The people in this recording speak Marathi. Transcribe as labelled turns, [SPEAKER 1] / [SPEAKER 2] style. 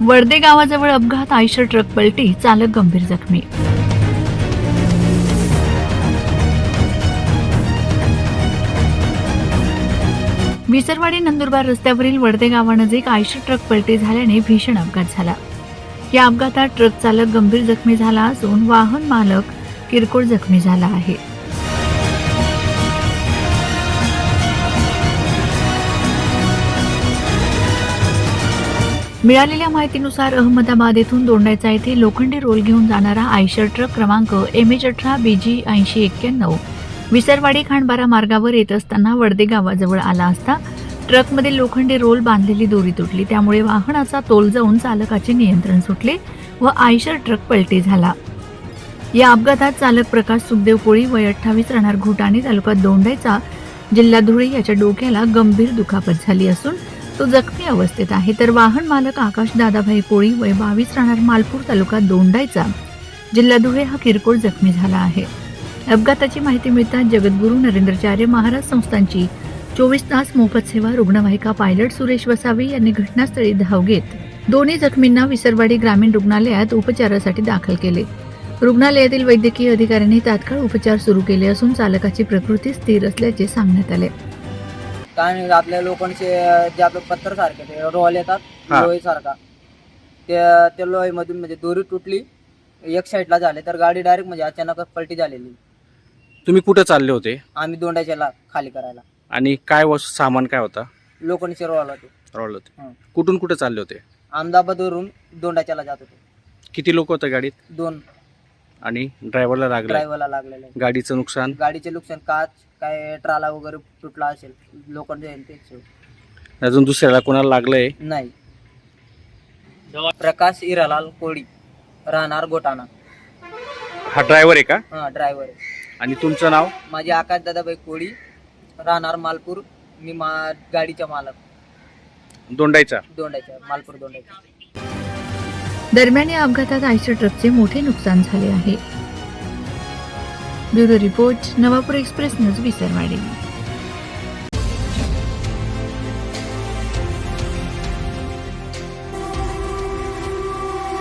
[SPEAKER 1] वडदे गावाजवळ अपघात, आयशर ट्रक पलटी, चालक गंभीर जखमी. विसरवाडी नंदुरबार रस्त्यावरील वडदे गावानजीक आयशर ट्रक पलटी झाल्याने भीषण अपघात झाला. या अपघातात ट्रक चालक गंभीर जखमी झाला असून वाहन मालक किरकोळ जखमी झाला आहे. मिळालेल्या माहितीनुसार अहमदाबाद येथून दोंडाईचा येथे लोखंडी रोल घेऊन जाणारा आयशर ट्रक क्रमांक MH18 BG 8091 विसरवाडी खांडबारा मार्गावर येत असताना वडदे गावाजवळ आला असता ट्रकमध्ये लोखंडी रोल बांधलेली दोरी तुटली. त्यामुळे वाहनाचा तोल जाऊन चालकाचे नियंत्रण सुटले व आयशर ट्रक पलटी झाला. या अपघातात चालक प्रकाश सुखदेव कोळी वय 28 राहणार घोटाणे तालुका दोंडाईचा जिल्हा धुळे याच्या डोक्याला गंभीर दुखापत झाली असून तो जखमी अवस्थेत आहे. तर वाहन मालक आकाश दादाभाई कोळी वय 22 राहणार मालपूर तालुका दोंडाईचा जिल्हा धुळे हा किरकोळ जखमी झाला आहे. अपघाताची माहिती मिळताच जगद्गुरू नरेंद्राचार्य महाराज संस्थांची 24 तास मोफत सेवा रुग्णवाहिका पायलट सुरेश वसावे यांनी घटनास्थळी धाव घेत दोन्ही जखमींना विसरवाडी ग्रामीण रुग्णालयात उपचारासाठी दाखल केले. रुग्णालयातील वैद्यकीय अधिकाऱ्यांनी तात्काळ उपचार सुरू केले असून चालकाची प्रकृती स्थिर असल्याचे सांगण्यात आले.
[SPEAKER 2] काय आपल्या लोकांचे जे आपले पत्थर सारखे ते रोल येतात लोही सारखा त्या लोहीमधून म्हणजे दोरी तुटली, एक साईडला झाले तर गाडी डायरेक्ट म्हणजे अचानक पलटी झालेली.
[SPEAKER 3] तुम्ही कुठे चालले होते?
[SPEAKER 2] आम्ही दोंडाच्याला खाली करायला.
[SPEAKER 3] आणि काय सामान काय होता?
[SPEAKER 2] लोकांचे रोल होते.
[SPEAKER 3] रोल होते. कुठून कुठे चालले होते?
[SPEAKER 2] अहमदाबादवरून दोंडाच्याला जात होते.
[SPEAKER 3] किती लोक होते गाडीत?
[SPEAKER 2] 2.
[SPEAKER 3] आणि ड्रायव्हरला लागले? गाडीचं नुकसान?
[SPEAKER 2] गाडीचे नुकसान काच काय ट्राला वगैरे तुटला असेल लोकांचे.
[SPEAKER 3] अजून दुसऱ्याला कोणाला लागलंय?
[SPEAKER 2] नाही. प्रकाश इरालाल कोळी राहणार गोटाणा.
[SPEAKER 3] हा ड्रायव्हर आहे का?
[SPEAKER 2] हा ड्रायव्हर आहे.
[SPEAKER 3] आणि तुमचं नाव?
[SPEAKER 2] माझे आकाश दादाबाई कोळी राहणार मालपूर. मी गाडीचा मालक.
[SPEAKER 3] दोंडाईचा
[SPEAKER 2] मालपूर दोंडाईचा.
[SPEAKER 1] दरम्यान या अपघातात आयशर ट्रकचे मोठे नुकसान झाले आहे. Bureau report, Navapur express news, Visarwadi.